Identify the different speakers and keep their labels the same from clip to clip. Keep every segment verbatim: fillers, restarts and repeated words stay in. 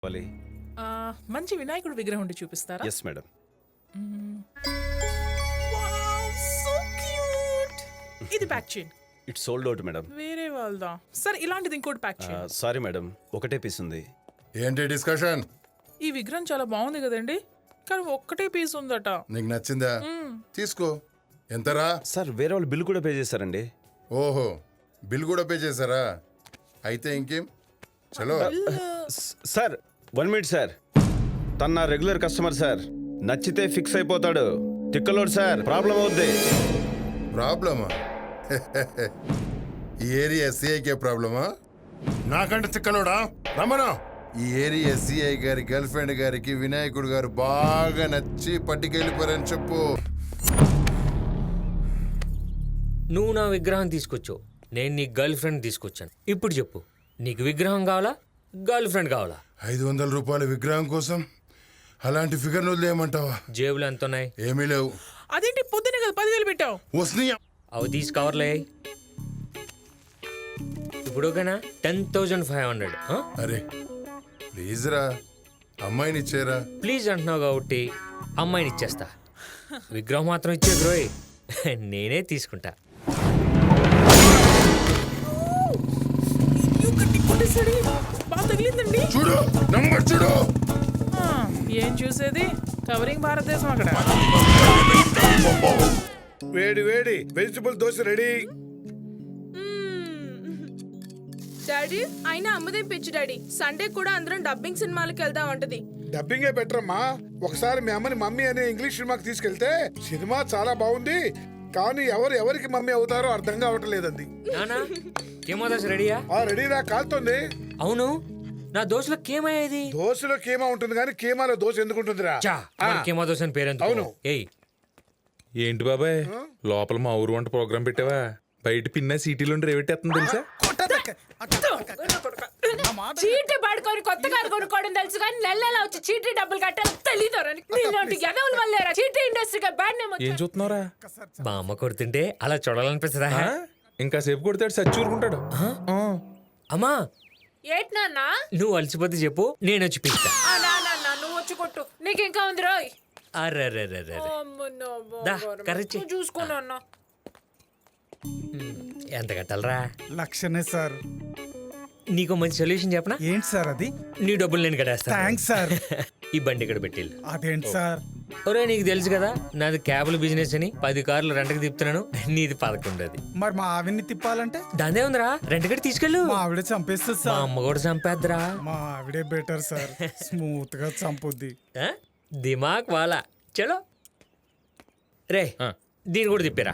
Speaker 1: ఆ, మంచి వినాయకుడు విగ్రహం ఉండి చూపిస్తారా?
Speaker 2: Yes madam.
Speaker 1: So cute. ఇది ప్యాక్ చేయండి.
Speaker 2: It's sold out madam.
Speaker 1: వేరే వాళ్ళదా? సరే ఇలాంటిది ఇంకోటి ప్యాక్ చేయండి.
Speaker 2: సారీ మేడం, ఒకటే పీస్ ఉంది.
Speaker 3: ఏంటి డిస్కషన్?
Speaker 1: ఈ విగ్రహం చాలా బాగుంది కదండి, కానీ ఒక్కటే పీస్ ఉందట.
Speaker 3: నీకు నచ్చిందా? తీసుకో. ఎంతరా?
Speaker 2: సార్ వేరే వాళ్ళు బిల్ కూడా పే చేశారండి.
Speaker 3: ఓహో, బిల్ కూడా పే చేశారా? అయితే ఇంకేం, చలో.
Speaker 2: సార్ వన్ మినిట్ సార్, తన నా రెగ్యులర్ కస్టమర్ సార్, నచ్చితే ఫిక్స్ అయిపోతాడు. తిక్కలోడు సార్, ప్రాబ్లం అవుద్ది.
Speaker 3: ప్రాబ్లమా? ఈ ఏరియా ఎస్సీఐకే ప్రాబ్లమా? నాకంటే తిక్కలోడా? రమణ, ఈ ఏరియా ఎస్సీఐ గారి గర్ల్ ఫ్రెండ్ గారికి వినాయకుడు గారు బాగా నచ్చి పట్టుకెళ్ళిపోరని చెప్పు.
Speaker 4: నువ్వు నా విగ్రహం తీసుకొచ్చావు, నేను నీ గర్ల్ ఫ్రెండ్ తీసుకొచ్చాను. ఇప్పుడు చెప్పు, నీకు విగ్రహం కావాలా, గర్ల్ ఫ్రెండ్ కావాలా?
Speaker 3: ఐదు వందల రూపాయల విగ్రహం కోసం అలాంటి ఫిగర్ వదిలేయమంటావా?
Speaker 4: జేబులు ఎంత ఉన్నాయి?
Speaker 3: ఏమీ లేవు.
Speaker 1: అదేంటి పొద్దునే కదా పదివేలు పెట్టావు?
Speaker 3: వస్తున్నాయా?
Speaker 4: అవి తీసి కవర్లే. ఇప్పుడు ఓకేనా? Ten thousand five hundred.
Speaker 3: అరే ప్లీజ్ రా, అమ్మాయిని ఇచ్చేరా.
Speaker 4: ప్లీజ్ అంటున్నావు కాబట్టి అమ్మాయిని ఇచ్చేస్తా. విగ్రహం మాత్రం ఇచ్చే గ్రోయ్, నేనే తీసుకుంటా.
Speaker 1: బాగా తగిలిందండి.
Speaker 3: చూడు నంబర్ చూడు.
Speaker 1: ఆ, ఏం చూసేది, కవరింగ్ భారతదేశం అక్కడ.
Speaker 5: వేడి వేడి వెజిటబుల్ దోశ రెడీ.
Speaker 6: డాడీ అయినా అమ్మదేం పిచ్చి డాడీ, సండే కూడా అందరం డబ్బింగ్ సినిమాలకు వెళ్దాం అంటది.
Speaker 5: డబ్బింగే బెటర్ అమ్మా. ఒకసారి మీ అమ్మని మమ్మీ అనే ఇంగ్లీష్ సినిమాకి తీసుకెళ్తే సినిమా చాలా బాగుంది, కానీ ఎవరు ఎవరికి మమ్మీ అవుతారో అర్థం కావటం లేదండి.
Speaker 4: నానా కేమో దోశ రెడీయా?
Speaker 5: ఆ రెడీరా, కాలుతోంది.
Speaker 4: అవును, నా దోశలో కేమయ్యేది?
Speaker 5: దోశలో కీమా ఉంటుంది కానీ కీమాలో దోశ ఎందుకు ఉంటుందిరా?
Speaker 4: చా, మరి కేమో దోశ అని పేరెందుకు?
Speaker 5: అవును.
Speaker 4: ఏయ్
Speaker 7: ఏంటి బాబాయ్, లోపల మా ఊరు వంట ప్రోగ్రామ్ పెట్టావా? బయట పిన్న సిటీలో రేవెట్టేస్తుంది తెలుసా?
Speaker 6: చీటీ పడుకొని కొత్త కారు కొనుక్కోవడం తెలుసు కానీ నెల నెల వచ్చి చీటీ డబ్బులు కట్టాలి తెలీదు. ఎదవుల వల్లేరా చీటీ ఇండస్ట్రీగా బ్యాడ్ నేమ్.
Speaker 7: ఏం చూస్తున్నారా?
Speaker 4: మా అమ్మ కొడుతుంటే అలా చూడాలనిపిస్తుందా?
Speaker 7: ఇంకా సేపు కొడతాడు, సచ్చూరుకుంటాడు.
Speaker 4: అమ్మా
Speaker 6: ఏట్ నాన్న,
Speaker 4: నువ్వు అలసిపోతే చెప్పు, నేను వచ్చి పిలుస్తా.
Speaker 6: ఆ నాన్న నువ్వు వచ్చి కొట్టు, నీకు ఇంకా ఉంది రోయ్.
Speaker 4: అరే దా, కర్రీ చెయ్.
Speaker 6: చూసుకోను అన్న.
Speaker 4: ఎంత కట్టాలరా?
Speaker 8: లక్షనే సార్.
Speaker 4: నీకు మంచి సొల్యూషన్ చెప్పనా?
Speaker 8: ఏంటి సార్ అది?
Speaker 4: నీ డబ్బులు నేను కట్టేస్తా.
Speaker 8: Thanks sir.
Speaker 4: ఈ బండి ఇక్కడ పెట్టి.
Speaker 8: అదేంటి సార్?
Speaker 4: ఒరే నీకు తెలుసు కదా నాది క్యాబుల బిజినెస్ అని, పది కార్లు రెంట్కి తిప్పుతున్నాను. నీది పదకొండు. అది
Speaker 8: మరి మా ఆవిడ్ని తిప్పాలంటే
Speaker 4: దాందే ఉందిరా, రెంట్ కట్టి తీసుకెళ్ళు.
Speaker 8: మా ఆవిడే చంపేస్తుంది
Speaker 4: మా
Speaker 8: సార్.
Speaker 4: అమ్మ కూడా చంపేద్దురా.
Speaker 8: మా ఆవిడే బెటర్ సార్, స్మూత్ గా చంపుద్ది.
Speaker 4: ఆ? దిమాక్ వాలా. చలో రే, దీన్ని కూడా తిప్పిరా.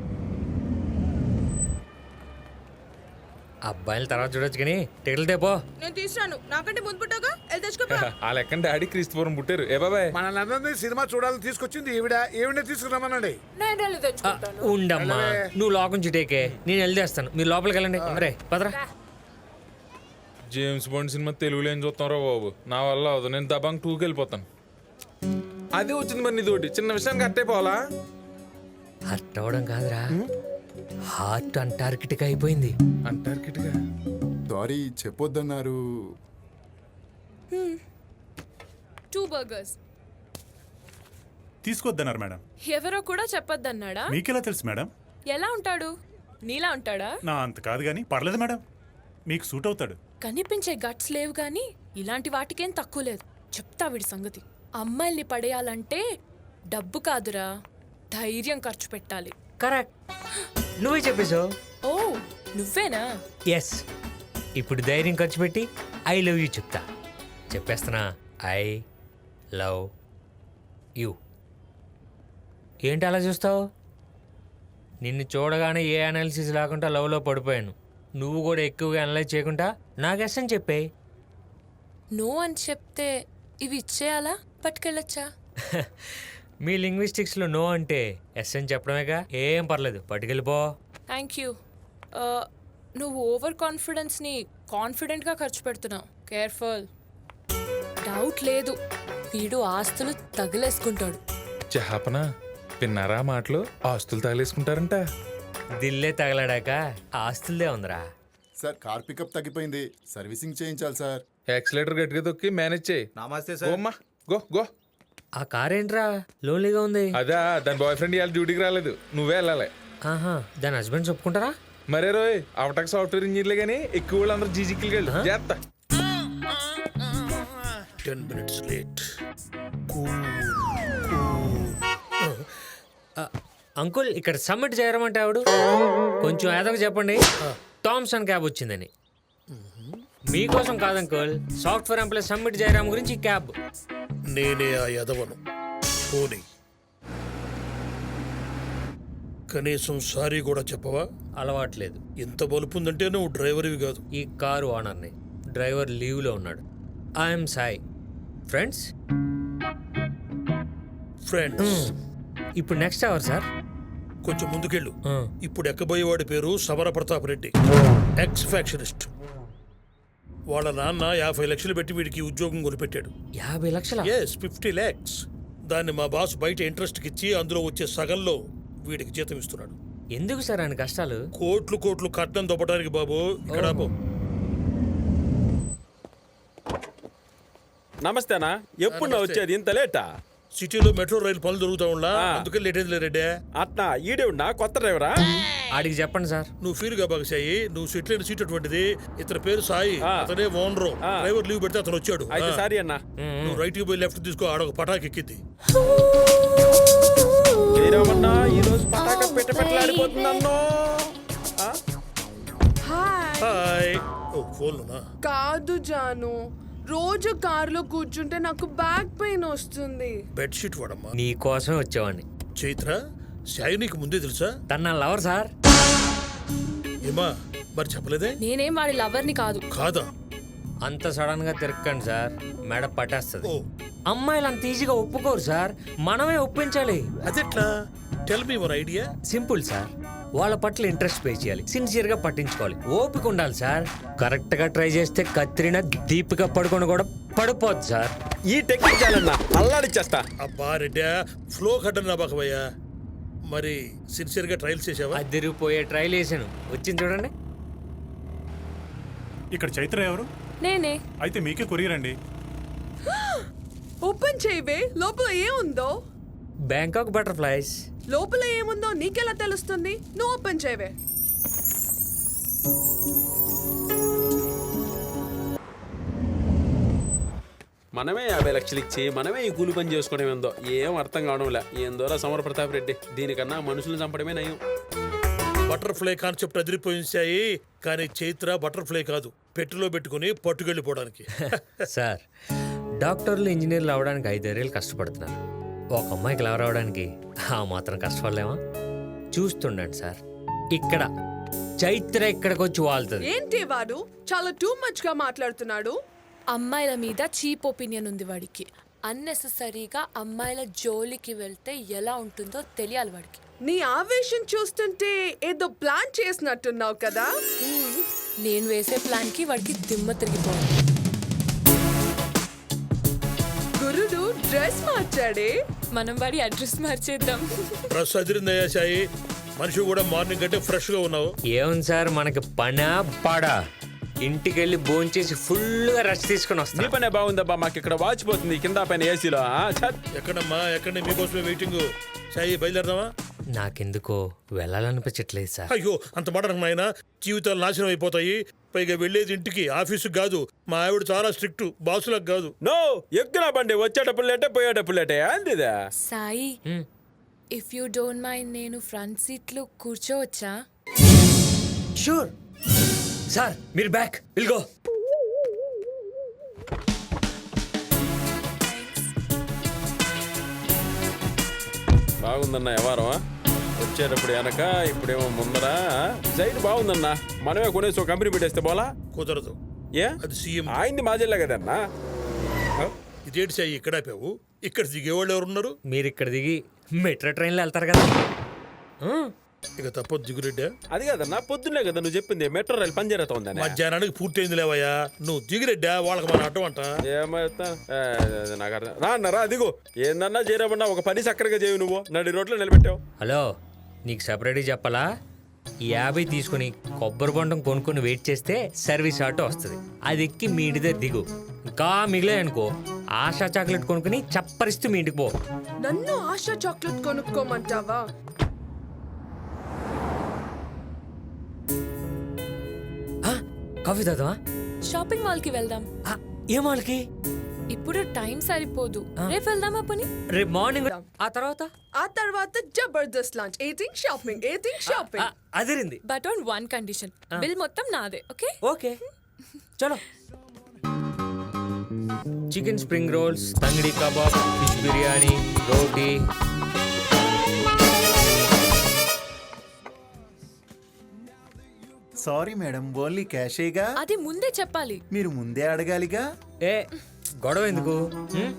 Speaker 4: అబ్బాయిల తర్వాత చూడొచ్చు కానీ టికెట్లు తేపో.
Speaker 6: నేను తీసుకురాను, నాకంటే ముందు పుట్టాగా వెళ్ళి తెచ్చుకోపా.
Speaker 7: ఆ లెక్కన డాడీ క్రీస్తుపురం పుట్టారు. ఏ బాబాయ్,
Speaker 5: మన సినిమా చూడాలని తీసుకొచ్చింది ఈవిడ. ఈవిడే తీసుకురామనండి.
Speaker 6: నేను వెళ్ళి తెచ్చుకుంటాను.
Speaker 4: ఉండమ్మా, నువ్వు లోకం చుట్టేకే, నేను వెళ్తేస్తాను. మీరు లోపలికి వెళ్ళండి. రే పదరా.
Speaker 7: జేమ్స్ బాండ్ సినిమా తెలుగులో ఏం చూస్తున్నారో బాబు, నా వల్ల అవదు. నేను దబాంగ్ టూకి వెళ్ళిపోతాను. అదే వచ్చింది మరి నీతోటి చిన్న విషయానికి అట్టయిపోవాలా?
Speaker 4: హర్ట్ అవ్వడం కాదురా, హార్ట్ అంటార్కిటిక్ అయిపోయింది.
Speaker 7: అంటార్కిటికా?
Speaker 3: సారీ చెప్పొద్దన్నారు.
Speaker 6: Two burgers.
Speaker 8: తీసుకొద్దన్నారు మేడం.
Speaker 6: ఎవరో కూడా చెప్పొద్దన్నాడా?
Speaker 8: మీకెలా తెలుసు మేడం?
Speaker 6: ఎలా ఉంటాడు? నీలా ఉంటాడా?
Speaker 8: నా అంత కాదు కానీ పర్లేదు మేడం, మీకు సూట్ అవుతాడు.
Speaker 6: కనిపించే గట్స్ లేవు గాని ఇలాంటి వాటికేం తక్కువ లేదు. చెప్తా వీడి సంగతి. అమ్మాయిల్ని పడేయాలంటే డబ్బు కాదురా, ధైర్యం ఖర్చు పెట్టాలి.
Speaker 4: కరెక్ట్, నువ్వే చెప్పేశావు.
Speaker 6: ఓ నువ్వేనా?
Speaker 4: ఎస్, ఇప్పుడు ధైర్యం ఖర్చు పెట్టి ఐ లవ్ యూ చెప్తా. చెప్పేస్తున్నా, ఐ లవ్ యూ. ఏంటి అలా చూస్తావు? నిన్ను చూడగానే ఏ అనాలిసిస్ లేకుండా లవ్లో పడిపోయాను. నువ్వు కూడా ఎక్కువగా అనలైజ్ చేయకుండా నాకు ఎస్ అని చెప్పే.
Speaker 6: నో అని చెప్తే ఇవి ఇచ్చేయాలా, పట్టుకెళ్ళొచ్చా?
Speaker 4: మీ లింగ్విస్టిక్స్లో నో అంటే ఎస్ అని చెప్పడమేగా, ఏం పర్లేదు, పట్టుకెళ్ళిపో.
Speaker 6: Thank you. నువ్వు ఓవర్ కాన్ఫిడెన్స్ని కాన్ఫిడెంట్గా ఖర్చు పెడుతున్నావు. కేర్ఫుల్. డౌట్ లేదు, వీడు ఆస్తులు తగిలేసుకుంటాడు.
Speaker 7: చేపన విన్నారా మాటలు? ఆస్తులు తగిలేసుకుంటారంట.
Speaker 4: దిల్లే తగలడాక ఆస్తులదే ఉందిరా.
Speaker 3: సార్ కార్ పికప్ తగ్గిపోయింది, సర్వీసింగ్ చేయించాలి సార్.
Speaker 7: యాక్సిలేటర్ గట్టిగా తొక్కి మేనేజ్ చేయి.
Speaker 9: నమస్తే
Speaker 7: గో అమ్మా గో గో.
Speaker 4: ఆ కార్ ఏంట్రా లోన్లీగా ఉంది?
Speaker 7: అదా దాని బాయ్ ఫ్రెండ్ ఇవాళ డ్యూటీకి రాలేదు, నువ్వే వెళ్ళాలి.
Speaker 4: ఆహా, దాని హస్బెండ్ చెప్పుకుంటారా?
Speaker 7: మరే రోయ్ అవటక్ సాఫ్ట్వేర్ ఇంజనీర్లే కానీ ఎక్కువ వాళ్ళు అందరూ జీజిక్కి వెళ్ళు చేస్తా.
Speaker 5: Ten minutes late.
Speaker 4: అంకుల్ ఇక్కడ సబ్మిట్ చేయరమంటే ఆవిడ కొంచెం ఏదో చెప్పండి. థామ్సన్ క్యాబ్ వచ్చిందని. మీకోసం కాదు అంకుల్, సాఫ్ట్వేర్ ఎంప్లాయ్ సబ్మిట్ చేయడం గురించి ఈ క్యాబ్.
Speaker 5: నేనే ఆ యదవను. పోనీ కనీసం సారీ కూడా చెప్పవా?
Speaker 4: అలవాట్లేదు.
Speaker 5: ఇంత బలుపుందంటే నువ్వు డ్రైవర్వి కాదు.
Speaker 4: ఈ కారు ఓనర్ని, డ్రైవర్ లీవ్లో ఉన్నాడు. ఐఎమ్ సాయి. Friends
Speaker 5: friends.
Speaker 4: ఇప్పుడు నెక్స్ట్ అవర్ సార్.
Speaker 5: కొంచెం ముందుకెళ్ళు. ఇప్పుడు ఎక్కబోయేవాడి పేరు సమర ప్రతాప్ రెడ్డి, ఎక్స్ ఫ్యాక్షనిస్ట్. వాళ్ళ నాన్న యాభై లక్షలు పెట్టి వీడికి ఉద్యోగం కొనిపెట్టాడు.
Speaker 4: యాభై లక్షల
Speaker 5: ఎస్ ఫిఫ్టీ ల్యాక్స్. దాన్ని మా బాస్ బయట ఇంట్రెస్ట్కి ఇచ్చి అందులో వచ్చే సగంలో వీడికి జీతం ఇస్తున్నాడు.
Speaker 4: ఎందుకు సార్ ఆయన కష్టాలు?
Speaker 5: కోట్లు కోట్లు కట్నం దొబ్బటానికి బాబు. ఇక్కడ ఆపు.
Speaker 2: నమస్తేనా, ఎప్పుడు నా వచ్చేది ఇంత లేటా?
Speaker 5: సిటీలో మెట్రో రైలు పనులు జరుగుతా ఉండా, అందుకే లేట్ అయింది రెడ్డి.
Speaker 2: అట్నా ఈడేవుడా కొత్త డ్రైవరా?
Speaker 4: ఆడికి చెప్పండి సార్.
Speaker 5: నువ్వు ఫీల్ గా బాగా సాయి, నువ్వు సెటిల్ అయిన సీట్ అటువంటిది. ఇతని పేరు సాయి, అతనే ఓనరు. డ్రైవర్ లీవ్ పెడితే అతను వచ్చాడు.
Speaker 2: అయితే సారీ అన్నా.
Speaker 5: నువ్వు రైట్ కి పోయి లెఫ్ట్ తీసుకో, ఆడొక పటాక్ ఎక్కింది.
Speaker 2: జయరామన్నా ఈ రోజు పటాక పెట్ట పెట్టలాడిపోతుందన్నో.
Speaker 5: హాయ్. ఓ ఫోన్
Speaker 10: కాదు జాను, రోజు కారులో కూర్చుంటే నాకు బ్యాక్ పెయిన్ వస్తుంది.
Speaker 5: బెడ్షీట్ వాడమ్మా.
Speaker 4: నీ కోసమే వచ్చేవాడిని.
Speaker 5: చైత్ర, సాయి నీకు ముందే తెలుసా?
Speaker 4: తన నా లవర్ సార్.
Speaker 5: ఏమా మరి చెప్పలేదే?
Speaker 6: నేనేం వాడి లవర్ని కాదు.
Speaker 5: కాదా?
Speaker 4: అంత సడన్ గా తిరక్కండి సార్, మెడ పట్టేస్తుంది.
Speaker 5: ఓ
Speaker 4: అమ్మాయిలు అంత ఈజీగా ఒప్పుకోరు సార్, మనమే ఒప్పించాలి.
Speaker 5: అదెట్లా? Tell me your idea.
Speaker 4: Simple sir, వాళ్ళ పట్ల ఇంట్రెస్ట్ పే చేయాలి, సిన్సియర్ గా పట్టించుకోవాలి, ఓపిక ఉండాలి సార్. కరెక్ట్ గా ట్రై చేస్తే కత్రినా దీపిక పడుకొని కూడా పడిపోద్ది సార్.
Speaker 2: ఈ టెక్నిక్ చాలన్నా, అల్లాడిచ్చేస్తా.
Speaker 5: అబ్బా రెడ్డా, ఫ్లో కట్టను నా బాకవయ్యా. మరి సిన్సియర్ గా ట్రయల్స్ చేసావా?
Speaker 4: అదిరిపోయే ట్రైల్ వేసాను, వచ్చింది చూడండి.
Speaker 8: ఇక్కడ చైత్ర ఎవరు?
Speaker 6: నేనే.
Speaker 8: అయితే మీకే కొరియర్ అండి.
Speaker 10: ఓపెన్ చేయవే, లోపల ఏముందో.
Speaker 4: Bangkok butterflies.
Speaker 10: లోపల ఏముందో నీకెలా తెలుస్తుంది? నువ్వు ఓపెన్ చేయవే.
Speaker 2: మనమే యాభై లక్షలు ఇచ్చి మనమే ఈ కూలి పని చేసుకోవడం ఏందో ఏం అర్థం కావడంలే. ఏందోరా సమర ప్రతాప్ రెడ్డి, దీనికన్నా మనుషులను చంపడమే నయం.
Speaker 5: బటర్ఫ్లై కాన్సెప్ట్ అదిరిపోయించాయి, కానీ చైత్ర బటర్ఫ్లై కాదు, పెట్టెలో పెట్టుకుని పట్టుకెళ్ళిపోవడానికి.
Speaker 4: సార్, డాక్టర్లు ఇంజనీర్లు అవడానికి ఐదేళ్ళు కష్టపడుతున్నారు. ఒక అమ్మాయికి లవర్ అవడానికి ఆ మాత్రం కష్టపడలేమా? చూస్తుండండి సార్, ఇక్కడ చైత్ర ఇక్కడికి వచ్చి వాళ్తుంది.
Speaker 10: ఏంటి వాడు చాలా టూ మచ్ గా మాట్లాడుతున్నాడు.
Speaker 6: అమ్మాయిల మీద చీప్ ఒపీనియన్ ఉంది వాడికి. అన్నెసెసరీగా అమ్మాయిల జోలికి వెళ్తే ఎలా ఉంటుందో తెలియాలి వాడికి.
Speaker 10: నీ ఆవేశం చూస్తుంటే ఏదో ప్లాన్ చేసినట్టున్నావు కదా.
Speaker 6: నేను వేసే ప్లాన్ కి వాడికి దిమ్మ తిరిగిపోవాలి.
Speaker 10: గురుడు డ్రెస్ మార్చాడే.
Speaker 6: మనం వాడి అడ్రస్ మార్చేద్దాం.
Speaker 5: డ్రెస్ అదిరిందయ్యా సాయి, మనిషి కూడా మార్నింగ్ కంటే ఫ్రెష్ గా ఉన్నావు.
Speaker 4: ఏముంది సార్, మనకి పనా పాడా? ఇంటికి వెళ్ళి భోంచేసి ఫుల్ గా రెస్ట్ తీసుకుని
Speaker 2: నీ
Speaker 4: వస్తాను.
Speaker 2: పనే బాగుందబ్బా, మాకు ఇక్కడ వాచిపోతుంది కింద పైన ఏసీలో.
Speaker 5: ఎక్కడమ్మా ఎక్కడ? మీకోసమే వెయిటింగ్. సాయి బయలుదేరదామా?
Speaker 4: నాకెందుకో వెళ్ళాలనిపించట్లేదు సార్.
Speaker 5: అయ్యో అంత మాట నాయన, జీవితాలు నాశనం అయిపోతాయి. పైగా వెళ్ళేది ఇంటికి, ఆఫీసుకి కాదు. మా ఆవిడ చాలా స్ట్రిక్ట్, బాసులకు కాదు.
Speaker 2: నో ఎక్కువ బండి, వచ్చేటప్పుడు లేటే పోయేటప్పుడు లేటే అందిదా.
Speaker 6: Sai, if you don't mind నేను ఫ్రంట్ సీట్ లో కూర్చోవచ్చా?
Speaker 4: షూర్ సార్, మీరు బ్యాక్ విల్ గో.
Speaker 2: బాగుందన్న వ్యవహారమా, వచ్చేటప్పుడు వెనక ఇప్పుడేమో ముందరా. సైడ్ బాగుందన్న, మనమే కొనేసి ఒక కంపెనీ పెట్టేస్తే పోలా?
Speaker 5: కుదరదు.
Speaker 2: ఏ
Speaker 5: అది సీఎం.
Speaker 2: ఆయన్ని మా జిల్లా కదన్నా.
Speaker 5: ఇదేంటి సాయి ఇక్కడ ఆపావు? ఇక్కడ దిగేవాళ్ళు ఎవరున్నారు?
Speaker 4: మీరు ఇక్కడ దిగి మెట్రో ట్రైన్లో వెళ్తారు కదా.
Speaker 5: ఇక తప్పదు దిగురెడ్డా.
Speaker 2: అది కదన్నా, పొద్దున్నే కదా నువ్వు చెప్పింది మెట్రో రైలు పని జరుగుతా ఉందని.
Speaker 5: మధ్యాహ్నానికి పూర్తయింది లేవయ్యా. నువ్వు దిగిరెడ్డా, వాళ్ళకి మన అడ్డం అంట.
Speaker 2: ఏమైతే నాకు అర్థం రా అన్న, రా దిగు. ఏందన్నా చేరమన్నా, ఒక పని చక్కరగా చేయవు, నువ్వు నడి రోడ్లో నిలబెట్టావు.
Speaker 4: హలో, నీకు సపరేట్గా చెప్పాలా? ఈ యాభై తీసుకుని కొబ్బరి బొండం కొనుక్కొని వెయిట్ చేస్తే సర్వీస్ ఆటో వస్తుంది. అది ఎక్కి మీ ఇంటి దగ్గర దిగు. ఇంకా మిగిలే అనుకో ఆశా చాక్లెట్ కొనుక్కుని చప్పరిస్తూ మీ ఇంటికి పో.
Speaker 10: నన్ను ఆశా చాక్లెట్ కొనుక్కోమంటావా?
Speaker 4: ఆ, కాఫీ తాగుదామా?
Speaker 6: షాపింగ్ మాల్ కి వెళ్దాం.
Speaker 4: ఆ, ఏ మాల్కి?
Speaker 6: ఇప్పుడు టైం సరిపోదు, రేపు వెళ్దామా పని?
Speaker 4: రేపు మార్నింగ్. ఆ తర్వాత
Speaker 10: ఆ తర్వాత జబర్దస్త్ lunch, eating shopping, eating
Speaker 4: ah,
Speaker 10: shopping.
Speaker 4: అదిరింది.
Speaker 6: But on one condition, bill మొత్తం నాదే. ఓకే?
Speaker 4: ఓకే చలో. Chicken spring rolls, tangdi kebab, fish biryani, roti.
Speaker 9: Sorry madam, only క్యాషేగా.
Speaker 6: అది ముందే చెప్పాలి.
Speaker 9: మీరు ముందే అడగాలిగా.
Speaker 4: ఏ గొడవ ఎందుకు? హ్మ్?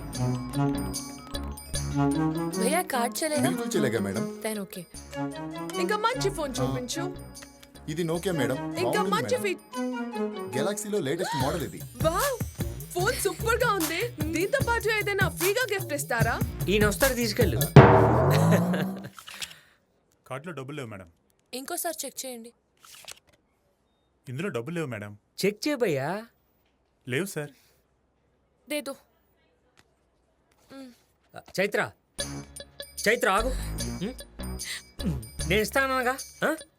Speaker 6: భయ్యా కార్డ్ చలేగా?
Speaker 11: బిల్కుల్ చెల్లేగా మేడం.
Speaker 6: Then okay.
Speaker 10: ఇంకా మంచి ఫోన్ చూపించు.
Speaker 11: ఇది నోకియా మేడం.
Speaker 10: ఇంకా మంచి ఫీ
Speaker 11: గెలాక్సీలో లేటెస్ట్ మోడల్ ఇది.
Speaker 10: వావ్, ఫోన్ సూపర్ గా ఉంది. దీంతో పాటు ఏదైనా ఫ్రీగా గిఫ్ట్ ఇస్తారా?
Speaker 4: ఈయన వస్తాడు, తీసుకెళ్ళు.
Speaker 8: కార్డులో డబ్బులు లేవు మేడం.
Speaker 6: ఇంకోసారి చెక్ చేయండి.
Speaker 8: ఇందులో డబ్బులు లేవు మేడం.
Speaker 4: చెక్ చేయబయ్యా.
Speaker 8: లేవు సార్.
Speaker 6: దేదో.
Speaker 4: చైత్ర చైత్ర ఆగు. హ్మ్? నేను ఇస్తానగా.